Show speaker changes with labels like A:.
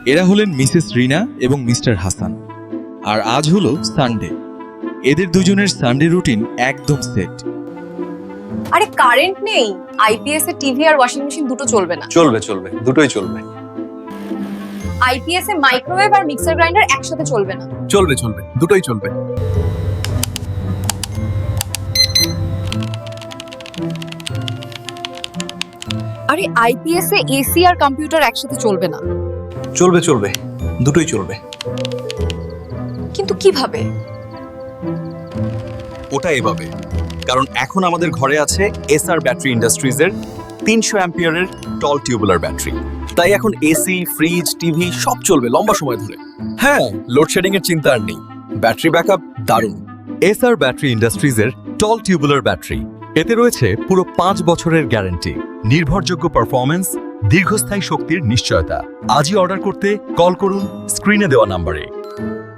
A: এরা হলেন মিসেস রিনা এবং মিস্টার হাসান। আর আজ হলো সানডে। এদের দুজনের সানডে রুটিন একদম সেট।
B: আরে কারেন্ট নেই, আইপিএস এ টিভি আর ওয়াশিং মেশিন দুটো চলবে না।
C: চলবে চলবে, দুটোই চলবে।
B: আইপিএস এ মাইক্রোওয়েভ আর মিক্সার গ্রাইন্ডার একসাথে চলবে না।
C: চলবে চলবে, দুটোই চলবে।
B: আরে আইপিএস এ এসি আর কম্পিউটার একসাথে চলবে না।
C: চলবে চলবে, দুটোই চলবে।
B: কিন্তু কিভাবে?
C: ওটা এভাবে, কারণ এখন আমাদের ঘরে আছে এসআর ব্যাটারি ইন্ডাস্ট্রিজের 300 অ্যাম্পিয়ারের টল টিউবুলার ব্যাটারি। তাই এখন এসি, ফ্রিজ, টিভি সব চলবে লম্বা সময় ধরে। হ্যাঁ, লোডশেডিং এর চিন্তা আর নেই। ব্যাটারি ব্যাকআপ দারুণ।
D: এসআর ব্যাটারি ইন্ডাস্ট্রিজের টল টিউবুলার ব্যাটারি, এতে রয়েছে পুরো 5 বছরের গ্যারান্টি, নির্ভরযোগ্য পারফরম্যান্স, দীর্ঘস্থায়ী শক্তির নিশ্চয়তা। আজই অর্ডার করতে কল করুন স্ক্রিনে দেওয়া নম্বরে।